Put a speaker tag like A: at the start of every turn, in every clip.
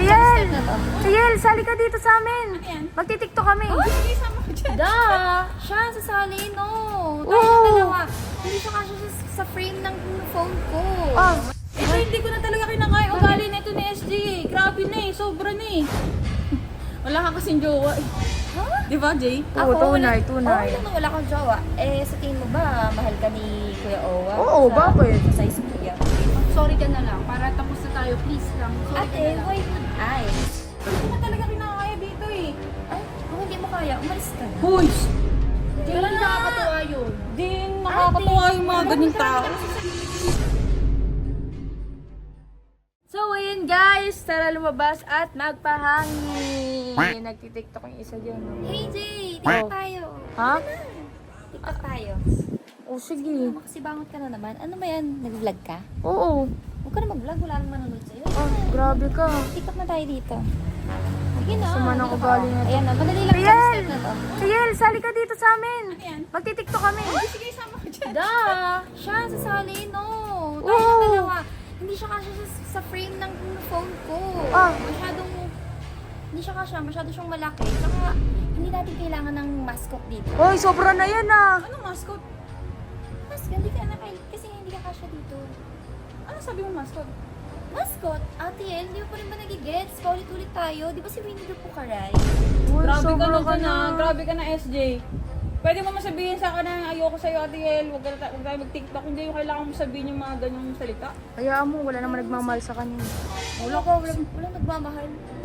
A: Tiel! Tiel, sali ka dito sa amin.
B: Ano yan?
A: Magtitiktok kami.
B: Oh, sige, sama ko dyan.
C: Siya sasali, no. Tayo
A: Oo.
C: ng dalawa. Hindi siya kasya sa frame ng phone ko.
A: Ah,
B: Ito, hindi ko na talaga kinakaya ugali na ito ni SG. Grabe na eh, sobra na eh. Wala ka kasing jowa eh.
C: Ha?
B: Di ba, Jay?
A: Oo, tunay, tunay.
C: Oo, wala kang jowa. Eh, sa tingin mo ba, mahal ka ni Kuya Owa?
A: Oo, bakit?
C: Sa size mo yan.
D: Sorry ka na lang, para tapos na tayo, please lang. Sorry ka
C: Ate,
D: na lang.
C: why would I?
B: Hindi ko na talaga kinakaya dito eh.
C: Ay, kung hindi mo kaya, umalis ka na.
B: Hoy!
D: Hindi nakakatuwa yun.
B: Di nakakatuwa yung mga ganyang tao.
A: So, ayun guys, tara lumabas at magpahangin. Nagtitiktok yung isa dyan. no?
C: Hey, Jay! TikTok tayo.
A: Ha?
C: TikTok tayo.
A: Oh, sige.
C: Makasibangot ka na naman. Ano ba yan? Nag-vlog ka?
A: Oo.
C: Huwag ka na mag-vlog. Wala nang manonood sa'yo.
A: Ah, grabe ka.
C: TikTok na tayo dito. Sige na.
A: Sama ng
C: dito ka.
A: ugali na to.
C: Ayan na, madali lang
A: Tiel!
C: step na to.
A: Tiel, sali ka dito sa amin.
B: Ano yan?
A: Magtitiktok kami.
B: Oh, sige, sama ko dyan.
C: Siya sasali, no. Tayo ng
A: Oo.
C: dalawa. Hindi siya kasya sa frame ng phone ko.
A: Ah.
C: Hindi siya kasya, masyado siyang malaki. Tsaka, hindi natin kailangan ng mascot dito.
A: Hoy, sobra na yan ah.
B: Anong mascot?
C: Mascot, hindi ka na kasi hindi ka kasya dito.
B: Ano sabi mo mascot?
C: Mascot? Ate El, hindi mo pa rin ba nagigets? Paulit-ulit tayo. Di ba si Winnie the Pooh ka, Ray?
A: Hoy,
B: Grabe ka
A: sobra
B: na
A: ka
B: dyan
A: na.
B: ah. Grabe ka na SJ. Pwede mo masabihin sa akin na ayoko sa'yo, Ate El. Huwag tayo mag-TikTok. Hindi yung kailangan mo sabihin yung mga ganyang salita.
A: Hayaan mo, wala naman nagmamahal sa kanya.
C: Walang nagmamahal.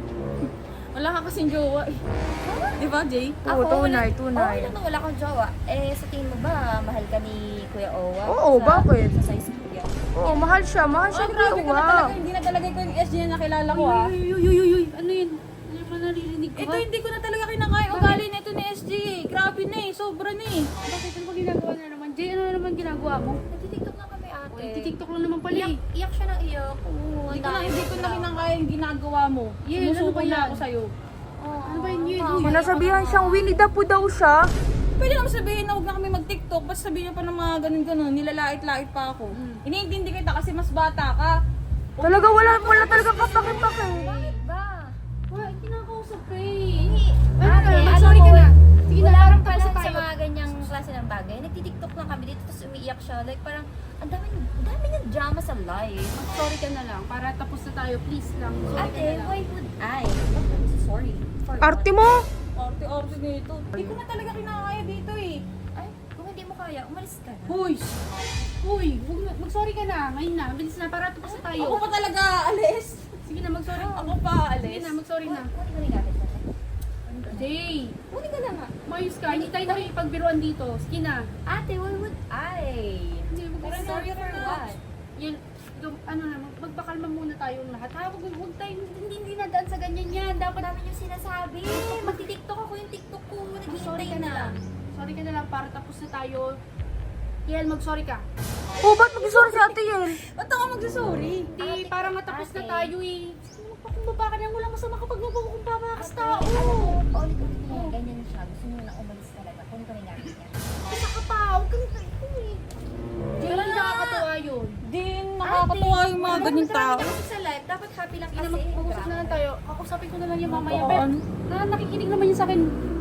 B: Wala ka kasing jowa eh. Di ba, Jay?
A: Oo, tunay, tunay.
C: Oo, wala kang jowa. Eh, sa tingin mo ba, mahal ka ni Kuya Owa?
A: Oo, bakit?
C: Sa size mo yan.
A: Oo, mahal siya
B: Oh,
A: ni
B: grabe ka na
A: Kuya.
B: talaga. Hindi na talaga ko yung SJ na nakilala ko ah.
D: Uy, ano yun? Ano yung naririnig ko?
B: Ito hindi ko na talaga kinakaya ugali na ito ni SJ. Grabe na eh, sobra na eh.
D: Bakit? Ano ba ginagawa na naman? Jay, ano na naman ginagawa mo?
C: Nagtitiktok na kami, ate.
D: TikTok lang naman pala eh.
C: Iyak siya ng iyak. Oo,
B: Hindi ko na kinakaya yung ginagawa mo.
D: Yeah, ano
B: Sumusuko
D: ba
B: na
D: yan?
B: ako sa'yo.
D: Ano ba yun?
A: Sinasabihan siyang Winnie the Pooh daw siya.
B: Pwede naman sabihin na huwag na kami mag-TikTok. Basta sabihin niya pa ng mga ganun-ganun. Nilalait-lait pa ako. Iniintindi kita kasi mas bata ka.
A: Talaga wala talaga kapake-pake.
C: Bakit ba?
D: Wala, kinakausap ka eh.
C: Ate,
D: Sorry ka na. Sige na,
C: wala
D: parang
C: kang
D: tapos
C: pala
D: na
C: sa
D: tayo.
C: mga ganyang klase ng bagay. Nagtitiktok lang kami dito, tapos umiiyak siya. Like parang, ang dami niyang drama sa life.
D: Sorry ka na lang, para tapos na tayo, please lang. Sorry ka
C: Ate,
D: na lang.
C: why would I? Sorry. For
A: Arte
C: what?
A: mo?
B: Arte-arte nito. Hindi ko na talaga kinakaya dito eh.
C: Ay, kung hindi mo kaya, umalis ka na.
D: Hoy! Hoy! Mag-sorry ka na. Ngayon na. Bilis na, para tapos na tayo.
B: Ako pa talaga alis.
D: Sige na, mag-sorry.
B: Ako pa
D: Sige
B: alis.
D: na, mag-sorry na.
C: Kunin ko na yung gamit natin.
D: Jay!
C: Kunin ka na nga.
D: Mayos ka. Hindi tayo nakikipagbiruan dito. Sige na.
C: Ate, why would I?
D: Hindi,
B: Tara na,
C: Sorry
B: tara
C: for
B: na.
C: what?
D: Yun, ano na, magpakalma muna tayong lahat. Ha, huwag tayo, hindi nadaan sa ganyan yan. Dapat,
C: Dami yung sinasabi. Magti-tiktok ako yung tiktok ko.
D: sorry
C: Naghihintay
D: ka na lang. Sorry ka na lang para tapos na tayo. Yan, mag-sorry ka.
A: Oh, ba't mag-sorry si Ate Yel?
B: Ba't ako magsasorry?
D: Hindi,
C: Ate,
D: para matapos na
C: ate.
D: tayo eh. Magpakumbaba ka na, walang masama kapag magpakumbaba ka sa tao.
C: Paulit-ulit niya. Ganyan siya. Gusto niyo na umalis talaga. Kunin ko na yung gamit niya.
D: Isa ka pa, huwag ka na ito eh. Hindi nakakatuwa yun.
B: Di nakakatuwa yung mga ganyang tao.
C: Kasi sa life, dapat happy lang kasi.
D: Mag-usap na lang tayo. Kakusapin ko na lang yung mamaya.
B: Oo,
D: Pero,
B: ano?
D: nakikinig naman yun sa akin.